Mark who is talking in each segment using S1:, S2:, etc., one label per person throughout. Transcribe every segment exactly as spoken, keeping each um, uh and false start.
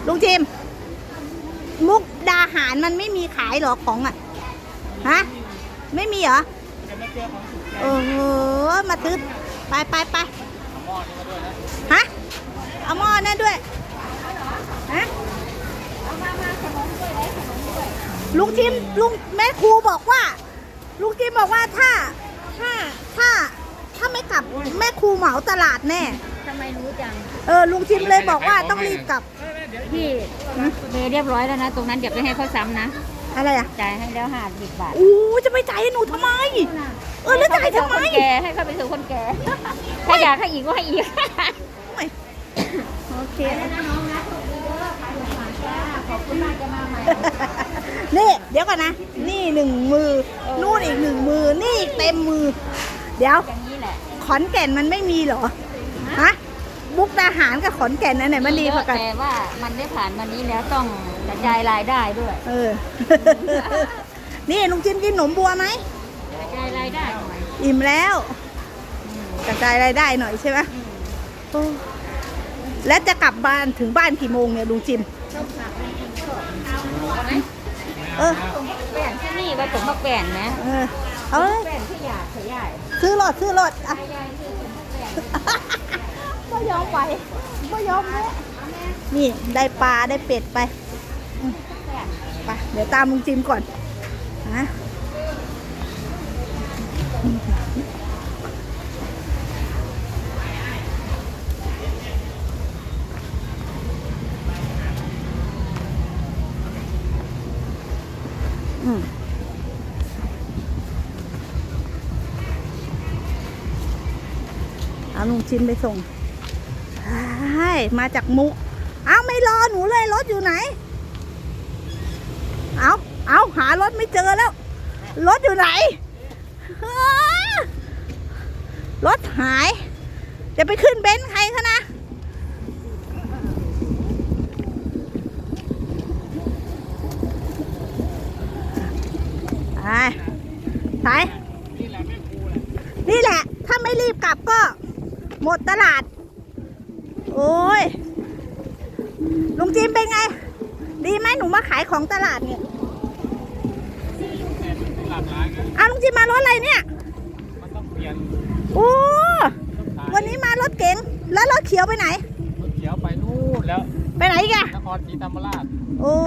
S1: ลุงจิมมุกดาหารมันไม่มีขายเหรอของอ่ะฮะไม่มีเหรอเออมาตื้อไปไปไปฮะเอาหม้อนั่นด้วยฮะลุงจิมลุงแม่ครูบอกว่าลุงจิมบอกว่าถ้าถ้าถ้าถ้าไม่กลับแม่ครูเหมาตลาดแน่
S2: ทำไมรู้จัง
S1: เออลุงจิมเลยบอกว่าต้องรีบกลับ
S2: พี่เมย์เรียบร้อยแล้วนะตรงนั้นเดี๋ยวไปให้เขาซ้ำนะ
S1: อะไรอ่ะ
S2: จ่ายให้แล้วห้าสิบบาท
S1: อู้จะไปจ่ายให้หนูทำไมเออแล้วจ่ายทำไม
S2: แกให้เขาไปสู่คนแก่ถ้าอยากให้อีกก็ให้อีก
S1: โอเค
S2: นะน้องนะขอบคุณมากจะมาใหม่
S1: นี่เดี๋ยวก่อนนะนี่หนึ่งมือนู่นอีกหนึ่งมือนี่อีกเต็มมือเดี๋ยวขอนแก่นมันไม่มีเหรอฮะมุกดาหารกับขอนแก่นนั่นไหนมันดีกว่ากัน
S2: แต่ว่ามันได้ผ่านวันนี้แล้วต้องกระจายรายได้ด้วย
S1: เออนี่ลุงจิมกินขนมบัวไหม
S2: กระจายรายได้หน่อย
S1: อิ่มแล้วกระจายรายได้หน่อยใช่ไหมแล้วจะกลับบ้านถึงบ้านกี่โมงเนี่ยลุงจิม
S2: เออแป้นที่นี่ว่าผมมาแป้นนะ
S1: เออเอาเลย
S2: แป้นที่อยากขยาย
S1: ซื้อรถซื้อรถอ่ะไม่ยอมไปไม่ยอมเลยนี่ได้ปลาได้เป็ดไปไปเดี๋ยวตามลุงจิมก่อนนะอืมเอาลุงจิมไปส่งใช่มาจากมุกเอาไม่รอหนูเลยรถอยู่ไหนเอาเอาหารถไม่เจอแล้วรถอยู่ไหนรถหายจะไปขึ้นเบนซ์ใครคะนะไปไปนี่แหละถ้าไม่รีบกลับก็หมดตลาดโอ้ยลุงจิมเป็นไงดีไหมหนูมาขายของตลาดเนี่ยอ้าวลุงจิมมารถอะไรเนี่ยโอ้วันนี้มารถเก๋งแล้วรถเขียวไปไหน
S3: รถเขียวไปนู่นแล้ว
S1: ไปไหนกัน
S3: นครศรีธรรมราช
S1: โอ้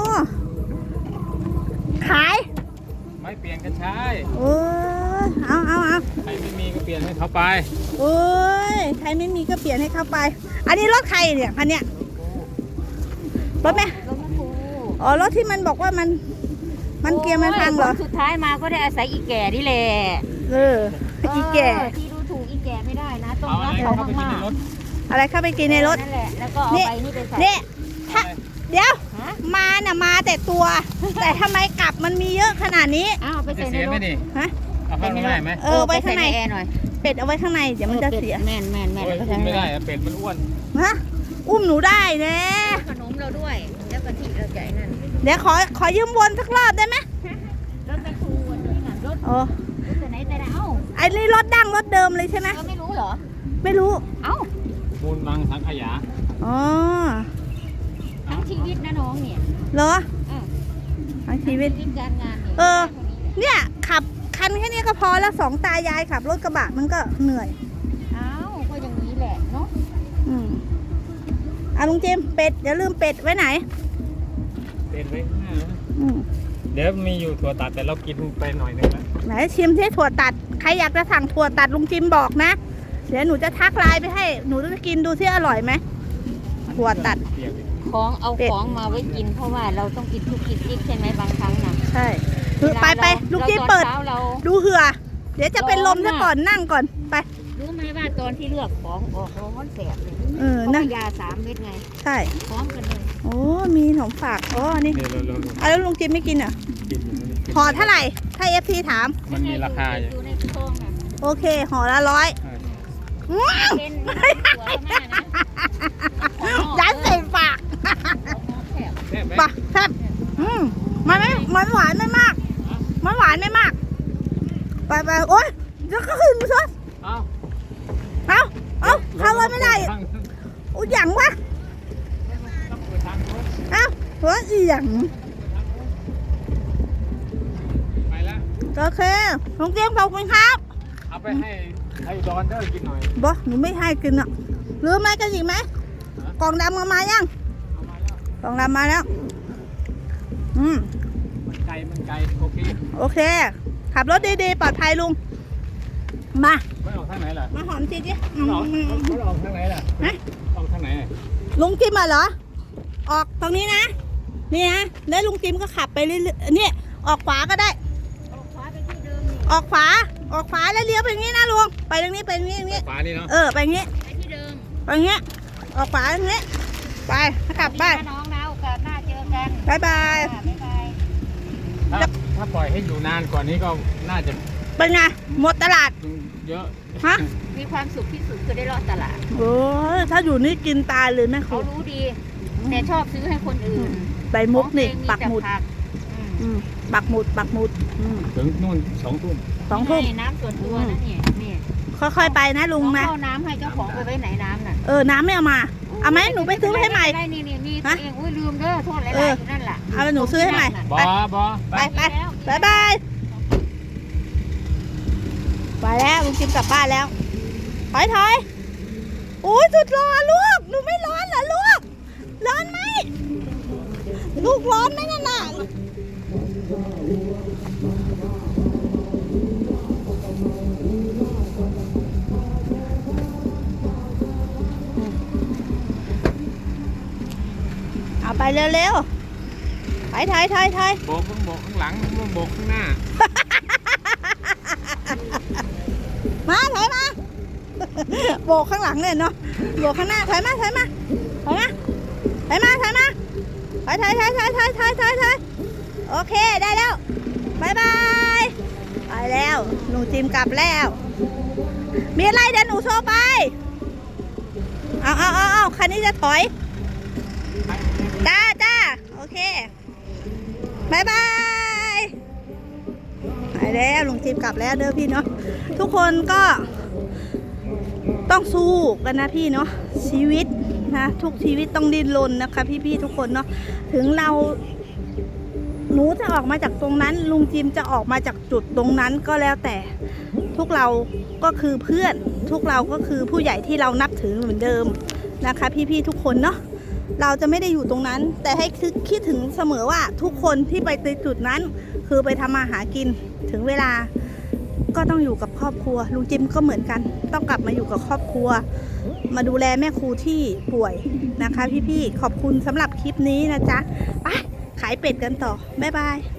S1: ขาย
S3: ไม่เปลี่ยนกันใช้
S1: โอ้เอาเอาเอา
S3: ใครไม่มีก็เปลี่ยนให้เขาไป
S1: โอ้ยใครไม่มีก็เปลี่ยนให้เขาไปอันนี้รถใครเนี่ยคันเนี้ยรถไหมอ๋อรถที่มันบอกว่ามันมันเกียร์มันพังเหรอ
S2: สุดท้ายมาก็ได้อาศัยอีแก่นี่แหละ
S1: เอออีแก่
S2: ที่ดูถูกอีแก่ไม่ได้นะต้องรักเขามาก
S1: ๆอะไรเข้าไปกินในรถ
S2: นั่นแหละแล้วก็เอาไปนี่ไปใส่
S1: นี่ถ้าเดี๋ยวมาน่ะมาแต่ตัวแต่ทำไมกลับมันมีเยอะขนาดนี้
S2: อ้าวไปใส่ในรถ
S1: ฮะ
S3: เอาเข้าข้างในไหม
S1: เออไว้ข้างในหน่อยเป็ดเอาไว้ข้างในเดี๋ยวมันจะเสีย
S2: แม่นแม่นแม่น
S3: ไม่ได้เป็ดมันอ้วน
S1: ฮะอุ้มหนูได้เน่
S2: ขนมเราด้วยแล้วกะทิเราใจนั่น
S1: เดี๋ยวขอขอยืมวนสักรอบได้ไหม
S2: รถไปครูวันนี้น่ะรถ
S1: โอ้
S2: รถไหนแต่เอ้า
S1: ไอ้นี่รถดั้งรถเดิมเลยใช่ไหม
S2: เราไม่รู้เหรอ
S1: ไม่รู้
S2: เอ้า
S3: มูลมังสังขยา
S1: อ๋อ
S2: ทั้งชีวิตนะน้องเนี่ย
S1: เหรอทั้งชีวิต
S2: การงาน
S1: เออเนี่ยขับคันแค่นี้ก็พอแล้วสองตายายขับรถกระบะมันก็เหนื่อย
S2: อ้าวก็อย่างนี้แหละเนาะ
S1: อืมอ่ะลุงจิมเป็ดอย่าลืมเป็ดไว้ไหน
S3: เป็ดไว้ข้างหน้าเดี๋ยวมีอยู่ถั่วตัดแต่เรากินไปหน่อยนึงแล้ว
S1: ไหนชิมที่ถั่วตัดใครอยากจะสั่งถั่วตัดลุงจิมบอกนะเดี๋ยวหนูจะทักไลน์ไปให้หนูจะกินดูที่อร่อยไหมถั่วตัด
S2: ของเอาของมาไว้กินเพราะว่าเราต้องกินทุกกินจิ๊กใช่ไหมบางครั้งนะ
S1: ใช่ไปไปลุงจิมเปิดดูเหือเดี๋ยวจะเป็นลมซะก่อนนั่งก่อนไป
S2: รู้ไหมว่าตอนที่เลือกของออกร้อนแสบเลย
S1: เออนะ
S2: ยาสามเม็ดไง
S1: ใช่
S2: พร้อมกันเลย
S1: โอ้มีขนมฝากอ๋อนี่เอาแล้วลุงจิมไม่กินเหรอห่อเท่าไหร่ถ้าเอฟซีถาม
S3: มันมีราคาอยู่
S2: ในซองนะ
S1: โอเคห่อละร้อยยันใส่ปากปากแซ่บอืมมันไม่มันหวานไม่มากมันหวานไม่มากไปไปโอ๊ยแล้วก็ขึ้นมาซะเอาเอาเอาเข้าเลยไม่ได้โอ้ยอย่างวะว่าอีหยัง
S3: ไปแล้ว
S1: โอเคลุงเจียมขอบคุณครับ
S3: เอาไปให้ให้ดอนเดอร์กินหน่อย
S1: บอหนูไม่ให้กินอ่ะลืมอะไรกันอีกไหมกล่องดำมามายัง
S3: เอามาแล้ว
S1: กล่องดำมาแล้วอืม
S3: มันไกลมันไกลโอเค
S1: โอเค ขับรถดีๆปลอดภัยลุงมา
S3: ไม่ออกทางไหนล่ะ
S1: มาหอมจีจี
S3: ไม่ออกไม่ออกทางไหนล่ะออกทางไหน
S1: ลุงจิมมาเหรอออกตรงนี้นะนี่นะแล้วลุงจิมก็ขับไปเรื่อยๆนี่ออกขวาก็ได้
S2: ออกขวาไปที่เดิมนี่
S1: ออกขวาออกขวาแล้วเลี้ยวไปอย่างนี้นะลุงไปตรงนี้ไปตรงนี้อย่างนี้
S3: ฟ้านี่เนาะ
S1: เออไปอย่างนี้
S2: ไปที่เดิม
S1: ไปอย่างนี้ออกขวาอย่างนี้ไปขับไป
S2: สวัสดีนะน้องนะโอกาสหน้าเจอกัน
S1: บายบาย
S2: ค่ะบ๊ายบาย
S3: ถ้าถ้าปล่อยให้อยู่นานกว่านี้ก็น่าจะ
S1: เป็นไงหมดตลาด
S3: เยอะ
S1: ฮะ
S2: มีความสุขที่สุดคือได้รอดตลาด
S1: โอ้ยถ้าอยู่นี่กินตายเลยแม่ค
S2: เขา
S1: รู
S2: รู้ดี แต่ชอบซื้อให้คนอื่น
S1: ใบมุกนี่
S2: ของตัวเอง
S1: ปักหมุด
S2: แต่ผัอืม
S1: อืมปักหมุดปักหมุดอืม
S3: ถึงนู่นสองทุ่ม
S1: สองทุ่ม
S2: นี่น้ำส่วนตัวนะนี่นี่
S1: ค่อยๆไปนะลุงนะ
S2: เข้าน้ำให้เจ้าของไปไว้ไหนน้ำน่ะ
S1: เออน้ำไม่เอามาเอาไหมหนูไปซื้อให้ใหม่
S2: ได้นี่นี่มี
S1: ฮะ
S2: ตัวเองอุ้ยลืมเด้อโทษหลายๆ
S1: เอ
S2: อ
S1: อ
S2: ยู่นั่นแหละ
S1: เอาแล้วหนูซื้อให้ใหม่
S3: บอบอ
S1: ไปไปบายบายไปแล้วลุงจิมกลับบ้านแล้วถอยถอยโอ้ยสุดร้อนลูกหนูไม่ร้อนเหรอลูกร้อนไหมลูกร้อนไหมนั่นน่ะเอาไปเร็วๆถอยถอยถอยถอย
S3: โบกข้างโบกข้างหลังโบกข้างหน้า
S1: มาถอยมา โบกข้างหลังเลยเนาะโบกข้างหน้าถอยมาถอยมาถอยมาถอยมาถอยมาถอยถอยถอยถอยถอยถอยถอยถอยโอเคได้แล้วบายบายไปแล้วหนูจิมกลับแล้ว มีอะไรเดี๋ยวหนูโทรไปเอาเอาเอาเอาคันนี้จะถอยจ้าจ้าโอเคบายบายไปแล้วลุงจิมกลับแล้วเด้อพี่เนาะทุกคนก็ต้องสู้กันนะพี่เนาะชีวิตนะทุกชีวิตต้องดิ้นรนนะคะพี่ๆทุกคนเนาะถึงเราหนูจะออกมาจากตรงนั้นลุงจิมจะออกมาจากจุดตรงนั้นก็แล้วแต่ทุกเราก็คือเพื่อนทุกเราก็คือผู้ใหญ่ที่เรานับถือเหมือนเดิมนะคะพี่ๆทุกคนเนาะเราจะไม่ได้อยู่ตรงนั้น แต่ให้คิดถึงเสมอว่าทุกคนที่ไปในจุดนั้นคือไปทำมาหากินถึงเวลาก็ต้องอยู่กับครอบครัวลุงจิมก็เหมือนกันต้องกลับมาอยู่กับครอบครัวมาดูแลแม่ครูที่ป่วยนะคะพี่ๆขอบคุณสำหรับคลิปนี้นะจ๊ะไปขายเป็ดกันต่อบ๊ายบาย